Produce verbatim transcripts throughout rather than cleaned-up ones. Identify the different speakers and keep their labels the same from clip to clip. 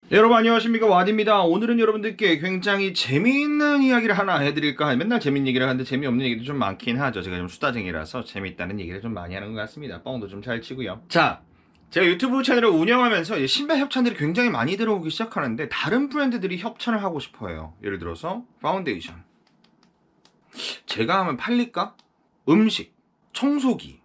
Speaker 1: 여러분 안녕하십니까, 와디입니다. 오늘은 여러분들께 굉장히 재미있는 이야기를 하나 해드릴까. 맨날 재밌는 얘기를 하는데 재미없는 얘기도 좀 많긴 하죠. 제가 좀 수다쟁이라서 재미있다는 얘기를 좀 많이 하는 것 같습니다. 뻥도 좀 잘 치고요. 자, 제가 유튜브 채널을 운영하면서 이제 신발 협찬들이 굉장히 많이 들어오기 시작하는데 다른 브랜드들이 협찬을 하고 싶어요. 예를 들어서 파운데이션 제가 하면 팔릴까? 음식, 청소기.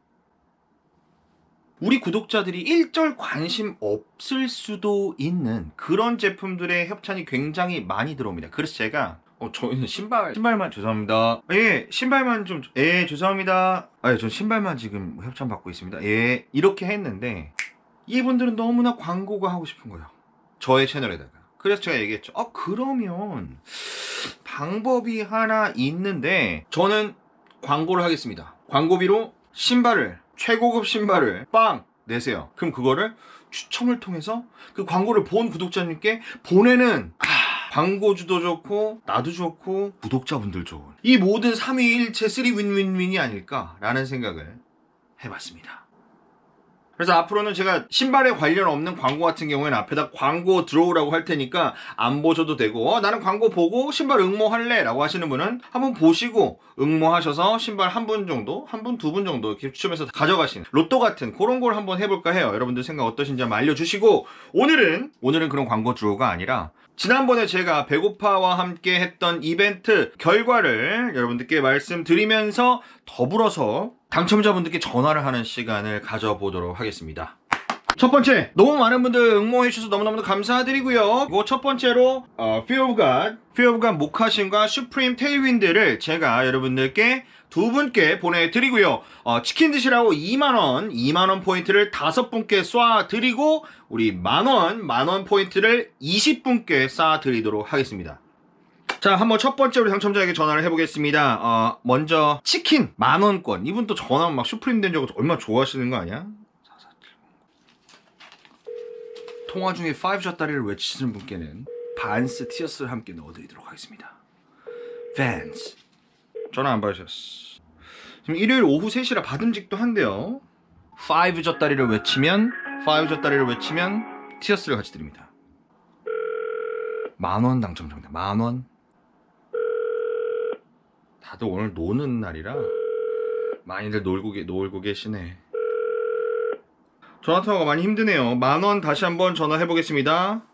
Speaker 1: 우리 구독자들이 일절 관심 없을 수도 있는 그런 제품들의 협찬이 굉장히 많이 들어옵니다. 그래서 제가 어 저희는 신발 신발만 죄송합니다. 예, 신발만 좀 예, 죄송합니다. 아, 예, 저 신발만 지금 협찬 받고 있습니다. 예, 이렇게 했는데 이분들은 너무나 광고가 하고 싶은 거예요. 저의 채널에다가. 그래서 제가 얘기했죠. 아, 그러면 방법이 하나 있는데 저는 광고를 하겠습니다. 광고비로 신발을 최고급 신발을 빵 내세요. 그럼 그거를 추첨을 통해서 그 광고를 본 구독자님께 보내는, 아, 광고주도 좋고 나도 좋고 구독자분들 좋은 이 모든 삼위일체 쓰리 윈윈윈이 아닐까라는 생각을 해봤습니다. 그래서 앞으로는 제가 신발에 관련 없는 광고 같은 경우에는 앞에다 광고 들어오라고 할 테니까 안 보셔도 되고, 어, 나는 광고 보고 신발 응모할래 라고 하시는 분은 한번 보시고 응모하셔서 신발 한 분 정도, 한 분, 두 분 정도 이렇게 추첨해서 가져가시는 로또 같은 그런 걸 한번 해볼까 해요. 여러분들 생각 어떠신지 한번 알려주시고, 오늘은 오늘은 그런 광고 주호가 아니라 지난번에 제가 배고파와 함께 했던 이벤트 결과를 여러분들께 말씀드리면서 더불어서 당첨자분들께 전화를 하는 시간을 가져보도록 하겠습니다. 첫 번째, 너무 많은 분들 응모해주셔서 너무너무 감사드리고요. 그리고 첫 번째로 어, Fear of God, Fear of God 모카신과 슈프림 테일윈드를 제가 여러분들께 두 분께 보내드리고요. 어, 치킨 드시라고 이만 원, 이만 원 포인트를 다섯 분께 쏴드리고 우리 만원, 만원 포인트를 이십 분께 쏴드리도록 하겠습니다. 자, 한번 첫 번째 우리 당첨자에게 전화를 해보겠습니다. 어, 먼저 치킨 만원권. 이분 또 전화하면 막 슈프림 된 적은 얼마나 좋아하시는 거 아니야? 통화 중에 파이브 샷다리를 외치시는 분께는 반스 티어스를 함께 넣어드리도록 하겠습니다. 밴스. 전화 안 받으셨어. 지금 일요일 오후 세 시라 받음직도 한데요. 파이브 젖다리를 외치면 파이브 젖다리를 외치면 티어스를 같이 드립니다. 만원 당첨자입니다. 만원. 다들 오늘 노는 날이라 많이들 놀고, 계, 놀고 계시네. 전화통화가 많이 힘드네요. 만원 다시 한번 전화해보겠습니다.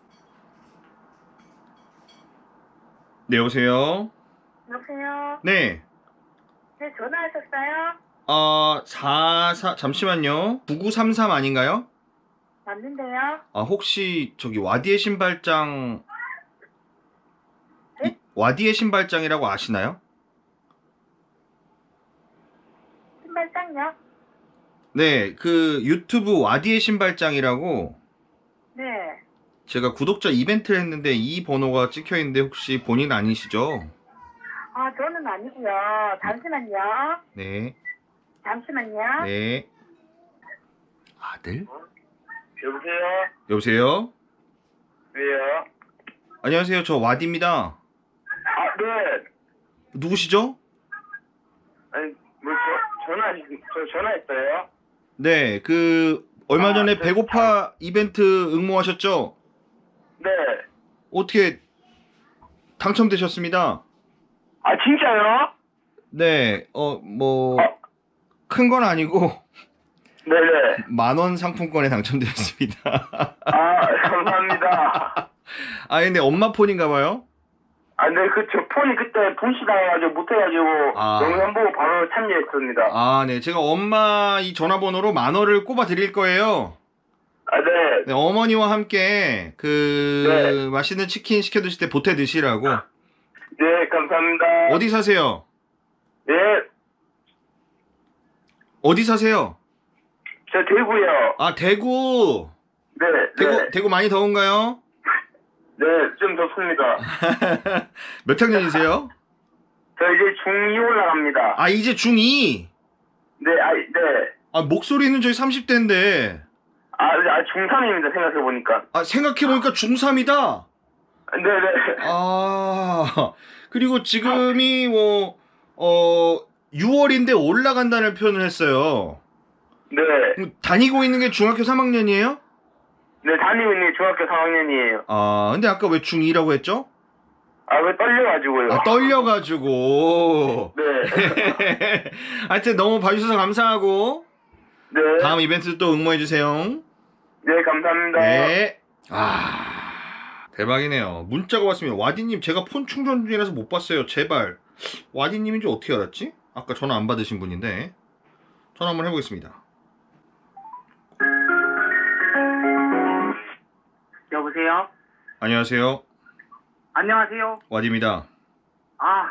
Speaker 1: 네, 여보세요?
Speaker 2: 여보세요?
Speaker 1: 네.
Speaker 2: 네, 전화하셨어요?
Speaker 1: 어, 사사, 잠시만요. 구구삼삼 아닌가요?
Speaker 2: 맞는데요?
Speaker 1: 아, 혹시 저기 와디의 신발장,
Speaker 2: 네?
Speaker 1: 이, 와디의 신발장이라고 아시나요?
Speaker 2: 신발장요?
Speaker 1: 네, 그 유튜브 와디의 신발장이라고
Speaker 2: 네.
Speaker 1: 제가 구독자 이벤트를 했는데 이 번호가 찍혀있는데 혹시 본인 아니시죠?
Speaker 2: 아, 저는 아니고요. 잠시만요.
Speaker 1: 네.
Speaker 2: 잠시만요.
Speaker 1: 네. 아들?
Speaker 3: 여보세요?
Speaker 1: 여보세요?
Speaker 3: 왜요?
Speaker 1: 안녕하세요. 저 와디입니다.
Speaker 3: 아, 네.
Speaker 1: 누구시죠?
Speaker 3: 아니, 뭐, 저, 전화, 저 전화했어요?
Speaker 1: 네, 그 얼마
Speaker 3: 아,
Speaker 1: 전에
Speaker 3: 네,
Speaker 1: 배고파 이벤트 응모하셨죠?
Speaker 3: 네.
Speaker 1: 어떻게 당첨되셨습니다.
Speaker 3: 아, 진짜요?
Speaker 1: 네, 어, 뭐,
Speaker 3: 어.
Speaker 1: 큰 건 아니고,
Speaker 3: 네네.
Speaker 1: 만원 상품권에 당첨되었습니다.
Speaker 3: 아, 감사합니다.
Speaker 1: 아, 근데 엄마 폰인가봐요?
Speaker 3: 아, 네, 그, 저 폰이 그때 분실당해가지고 못해가지고,
Speaker 1: 아.
Speaker 3: 영상 보고 바로 참여했습니다.
Speaker 1: 아, 네, 제가 엄마 이 전화번호로 만원을 꼽아 드릴 거예요.
Speaker 3: 아, 네.
Speaker 1: 네, 어머니와 함께, 그,
Speaker 3: 네.
Speaker 1: 맛있는 치킨 시켜 드실 때 보태 드시라고.
Speaker 3: 네, 감사합니다.
Speaker 1: 어디 사세요?
Speaker 3: 네,
Speaker 1: 어디 사세요?
Speaker 3: 저 대구요.
Speaker 1: 아, 대구!
Speaker 3: 네,
Speaker 1: 대구,
Speaker 3: 네.
Speaker 1: 대구 많이 더운가요?
Speaker 3: 네, 좀 좋습니다.
Speaker 1: 몇 학년이세요?
Speaker 3: 저 이제 중이 올라갑니다.
Speaker 1: 아, 이제 중이?
Speaker 3: 네, 아, 네.
Speaker 1: 아, 목소리는 저희 삼십 대인데.
Speaker 3: 아, 아 중삼입니다, 생각해보니까.
Speaker 1: 아, 생각해보니까 중삼이다?
Speaker 3: 네네.
Speaker 1: 아, 그리고 지금이 뭐, 어, 유월인데 올라간다는 표현을 했어요.
Speaker 3: 네.
Speaker 1: 그럼 다니고 있는 게 중학교 삼 학년이에요?
Speaker 3: 네, 네, 다니고 있는 게 중학교 삼 학년이에요.
Speaker 1: 아, 근데 아까 왜 중이라고 했죠?
Speaker 3: 아, 왜 떨려가지고요.
Speaker 1: 아, 떨려가지고.
Speaker 3: 네.
Speaker 1: 하여튼 너무 봐주셔서 감사하고,
Speaker 3: 네.
Speaker 1: 다음 이벤트 또 응모해주세요.
Speaker 3: 네, 감사합니다.
Speaker 1: 네. 아, 대박이네요. 문자가 왔습니다. 와디님, 제가 폰 충전 중이라서 못 봤어요. 제발. 와디님인지 어떻게 알았지? 아까 전화 안 받으신 분인데. 전화 한번 해보겠습니다.
Speaker 3: 여보세요?
Speaker 1: 안녕하세요.
Speaker 3: 안녕하세요.
Speaker 1: 와디입니다.
Speaker 3: 아,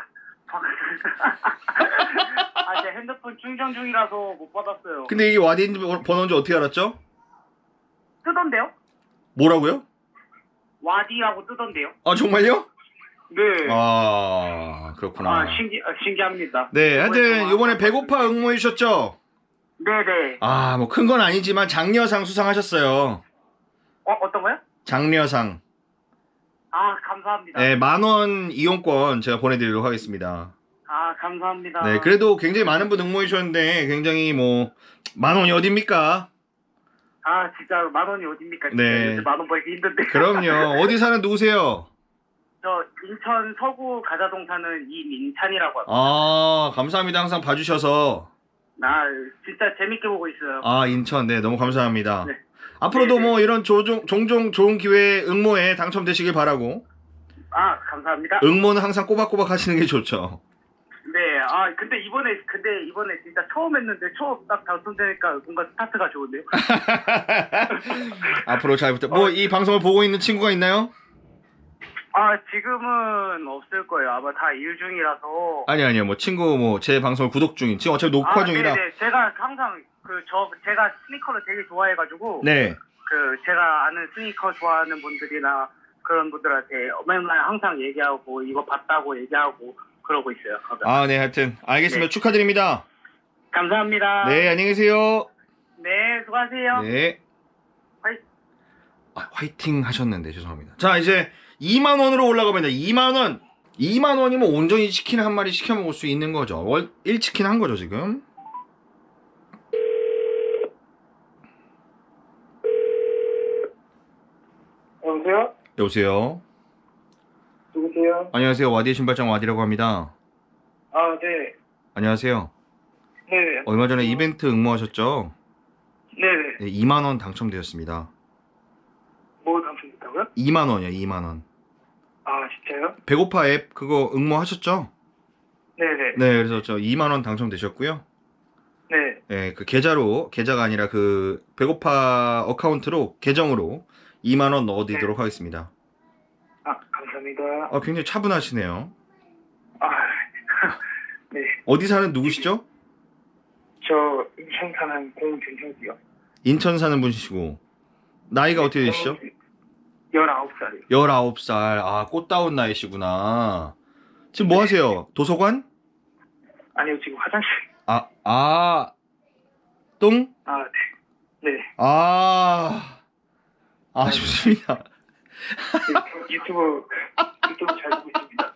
Speaker 3: 아, 제 핸드폰 충전 중이라서 못 받았어요.
Speaker 1: 근데 이게 와디 번호인지 어떻게 알았죠?
Speaker 3: 뜨던데요?
Speaker 1: 뭐라고요?
Speaker 3: 와디라고 뜨던데요?
Speaker 1: 아, 정말요?
Speaker 3: 네.
Speaker 1: 아, 그렇구나.
Speaker 3: 아, 신기, 아, 신기합니다.
Speaker 1: 네, 하여튼 이번에 배고파 응모해 주셨죠?
Speaker 3: 네네.
Speaker 1: 아, 뭐 큰 건 아니지만 장려상 수상하셨어요.
Speaker 3: 어, 어떤 거요?
Speaker 1: 장려상.
Speaker 3: 아, 감사합니다.
Speaker 1: 네, 만 원 이용권 제가 보내드리도록 하겠습니다.
Speaker 3: 아, 감사합니다.
Speaker 1: 네, 그래도 굉장히 많은 분 응모해 주셨는데 굉장히 뭐 만 원이 어딥니까?
Speaker 3: 아, 진짜 만 원이 어딥니까? 진짜
Speaker 1: 네.
Speaker 3: 요새 만 원 벌기 힘든데.
Speaker 1: 그럼요. 어디 사는 누구세요?
Speaker 3: 저 인천 서구 가자동 사는 이민찬이라고 합니다.
Speaker 1: 아, 감사합니다. 항상 봐주셔서.
Speaker 3: 나 진짜 재밌게 보고 있어요.
Speaker 1: 아, 인천. 네, 너무 감사합니다.
Speaker 3: 네.
Speaker 1: 앞으로도
Speaker 3: 네, 네.
Speaker 1: 뭐 이런 조종, 종종 좋은 기회에 응모에 당첨되시길 바라고.
Speaker 3: 아, 감사합니다.
Speaker 1: 응모는 항상 꼬박꼬박 하시는 게 좋죠.
Speaker 3: 네, 아, 근데 이번에, 근데 이번에 진짜 처음 했는데 처음 딱 당첨되니까 뭔가 스타트가 좋은데요?
Speaker 1: 앞으로 잘 부탁. 뭐 이 방송을 보고 있는 친구가 있나요?
Speaker 3: 아, 지금은 없을 거예요. 아마 다 일 중이라서.
Speaker 1: 아니 아니요. 뭐 친구 뭐 제 방송을 구독 중인. 지금 어차피 녹화
Speaker 3: 아,
Speaker 1: 중이라.
Speaker 3: 네네. 제가 항상 그 저 제가 스니커를 되게 좋아해가지고.
Speaker 1: 네.
Speaker 3: 그 제가 아는 스니커 좋아하는 분들이나 그런 분들한테 맨날 항상 얘기하고 이거 봤다고 얘기하고 그러고 있어요.
Speaker 1: 아, 네. 하여튼 알겠습니다.
Speaker 3: 네.
Speaker 1: 축하드립니다.
Speaker 3: 감사합니다.
Speaker 1: 네, 안녕히 계세요.
Speaker 3: 네, 수고하세요.
Speaker 1: 네.
Speaker 3: 화이-
Speaker 1: 아, 화이팅 하셨는데 죄송합니다. 자, 이제 이만 원으로 올라가면 이만 원. 이만 원이면 온전히 치킨 한 마리 시켜 먹을 수 있는 거죠. 월 일 치킨 한 거죠, 지금.
Speaker 3: 여보세요?
Speaker 1: 여보세요.
Speaker 3: 누구세요?
Speaker 1: 안녕하세요. 와디의 신발장 와디라고 합니다.
Speaker 3: 아, 네.
Speaker 1: 안녕하세요.
Speaker 3: 네.
Speaker 1: 얼마 전에 이벤트 응모하셨죠?
Speaker 3: 네네.
Speaker 1: 네, 이만 원 당첨되었습니다.
Speaker 3: 뭐 당첨됐다고요?
Speaker 1: 이만 원이요, 이만 원.
Speaker 3: 아, 진짜요?
Speaker 1: 배고파 앱 그거 응모하셨죠?
Speaker 3: 네네.
Speaker 1: 네, 그래서 저 이만 원 당첨되셨고요.
Speaker 3: 네.
Speaker 1: 네, 그 계좌로, 계좌가 아니라 그 배고파 어카운트로, 계정으로 이만 원 넣어드리도록 하겠습니다.
Speaker 3: 아, 감사합니다.
Speaker 1: 아, 굉장히 차분하시네요.
Speaker 3: 아, 네.
Speaker 1: 어디 사는 누구시죠?
Speaker 3: 저 인천 사는 공준혁이요.
Speaker 1: 인천 사는 분이시고 나이가 어떻게 되시죠?
Speaker 3: 열아홉 살이요.
Speaker 1: 열아홉 살. 아, 꽃다운 나이시구나. 지금 뭐 하세요? 도서관?
Speaker 3: 아니요, 지금 화장실.
Speaker 1: 아, 아, 똥?
Speaker 3: 아, 네. 네.
Speaker 1: 아, 아, 좋습니다.
Speaker 3: 유튜브, 유튜브 잘 보고 있습니다.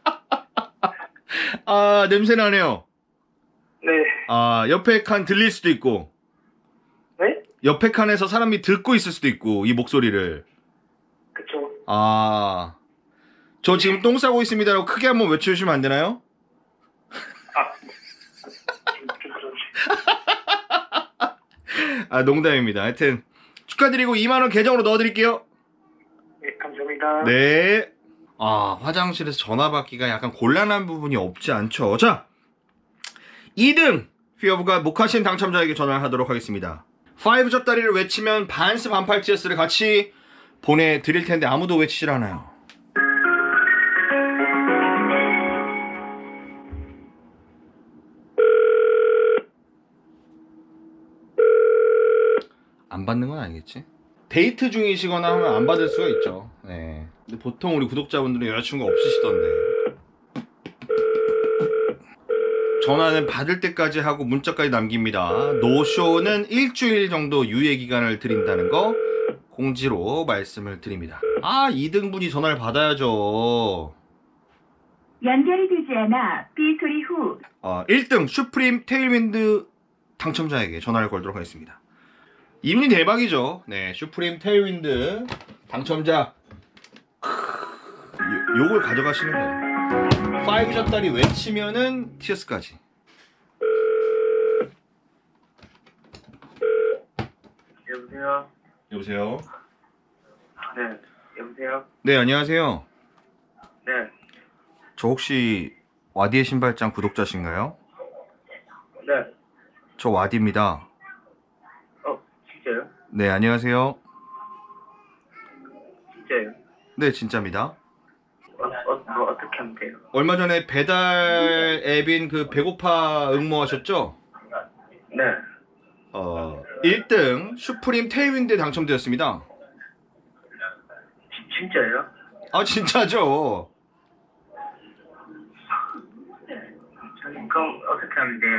Speaker 1: 아, 냄새 나네요.
Speaker 3: 네.
Speaker 1: 아, 옆에 칸 들릴 수도 있고,
Speaker 3: 네?
Speaker 1: 옆에 칸에서 사람이 듣고 있을 수도 있고, 이 목소리를.
Speaker 3: 그쵸.
Speaker 1: 아, 저 지금 똥 싸고 있습니다라고 크게 한번 외쳐주시면 안 되나요?
Speaker 3: 아, 좀, 좀 그러지.
Speaker 1: 아, 농담입니다. 하여튼 축하드리고 이만 원 계정으로 넣어드릴게요.
Speaker 3: 네, 감사합니다.
Speaker 1: 네. 아, 화장실에서 전화 받기가 약간 곤란한 부분이 없지 않죠. 자, 이 등 피어브가 모카신 당첨자에게 전화를 하도록 하겠습니다. 파이브 젖다리를 외치면 반스 반팔티어스를 같이 보내드릴 텐데 아무도 외치질 않아요. 안 받는 건 아니겠지? 데이트 중이시거나 하면 안 받을 수가 있죠. 네. 근데 보통 우리 구독자분들은 여자친구가 없으시던데. 전화는 받을 때까지 하고 문자까지 남깁니다. 노쇼는 일주일 정도 유예 기간을 드린다는 거 공지로 말씀을 드립니다. 아, 이 등분이 전화를 받아야죠.
Speaker 4: 연결이 되지 않아 삐 소리 후
Speaker 1: 아, 일 등 슈프림 테일윈드 당첨자에게 전화를 걸도록 하겠습니다. 이분이 대박이죠. 네, 슈프림 테일윈드 당첨자. 크, 요, 요걸 가져가시는 거예요. 파이브 샷다리 외치면은 티어스까지.
Speaker 3: 여보세요?
Speaker 1: 여보세요.
Speaker 3: 네, 여보세요?
Speaker 1: 네, 안녕하세요.
Speaker 3: 네,
Speaker 1: 저 혹시 와디의 신발장 구독자신가요?
Speaker 3: 네.
Speaker 1: 저 와디입니다.
Speaker 3: 어, 진짜요?
Speaker 1: 네, 안녕하세요.
Speaker 3: 진짜요?
Speaker 1: 네, 진짜입니다.
Speaker 3: 어, 어, 뭐 어떻게 하면 돼요?
Speaker 1: 얼마 전에 배달 앱인 그 배고파 응모하셨죠?
Speaker 3: 네.
Speaker 1: 어, 일 등 슈프림 테일윈드에 당첨되었습니다.
Speaker 3: 지, 진짜요?
Speaker 1: 아, 진짜죠?
Speaker 3: 그럼 어떻게 하면 돼요?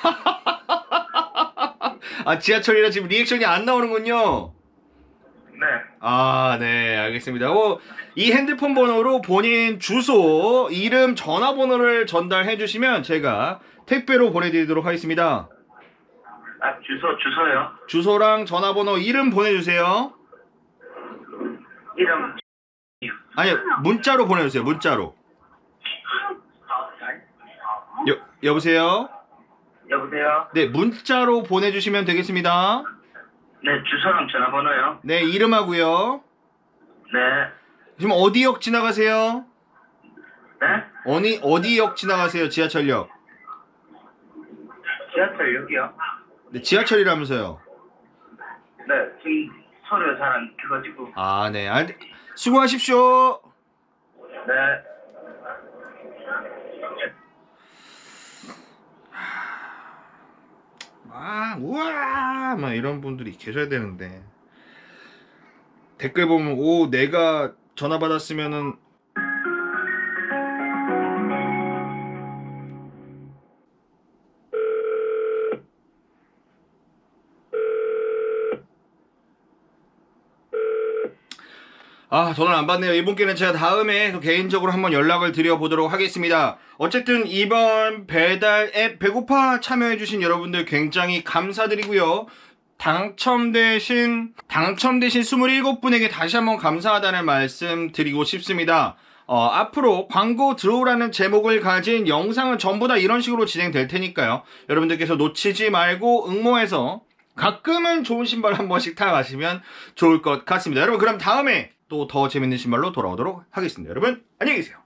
Speaker 1: 아, 지하철이라 지금 리액션이 안 나오는군요.
Speaker 3: 네.
Speaker 1: 아, 네, 알겠습니다. 어, 이 핸드폰 번호로 본인 주소, 이름, 전화번호를 전달해 주시면 제가 택배로 보내드리도록 하겠습니다.
Speaker 3: 아, 주소, 주소요?
Speaker 1: 주소랑 전화번호, 이름 보내주세요.
Speaker 3: 이름.
Speaker 1: 아니, 문자로 보내주세요, 문자로. 여, 여보세요?
Speaker 3: 여보세요?
Speaker 1: 네, 문자로 보내주시면 되겠습니다.
Speaker 3: 네, 주소랑 전화번호요?
Speaker 1: 네, 이름하고요.
Speaker 3: 네.
Speaker 1: 지금 어디역 지나가세요?
Speaker 3: 네?
Speaker 1: 어디, 어디역 지나가세요, 지하철역?
Speaker 3: 지하철역이요?
Speaker 1: 네, 지하철이라면서요.
Speaker 3: 네, 지금 소리가 잘 안 켜가지고.
Speaker 1: 아, 네. 아, 수고하십시오.
Speaker 3: 네.
Speaker 1: 아, 우와, 막 이런 분들이 계셔야 되는데. 댓글 보면, 오, 내가 전화 받았으면은. 아, 전화를 안 받네요. 이분께는 제가 다음에 또 개인적으로 한번 연락을 드려보도록 하겠습니다. 어쨌든 이번 배달 앱 배고파 참여해주신 여러분들 굉장히 감사드리고요. 당첨되신, 당첨되신 이십칠 분에게 다시 한번 감사하다는 말씀 드리고 싶습니다. 어, 앞으로 광고 들어오라는 제목을 가진 영상은 전부 다 이런 식으로 진행될 테니까요. 여러분들께서 놓치지 말고 응모해서 가끔은 좋은 신발 한 번씩 타가시면 좋을 것 같습니다. 여러분, 그럼 다음에 또 더 재밌는 신발로 돌아오도록 하겠습니다. 여러분, 안녕히 계세요.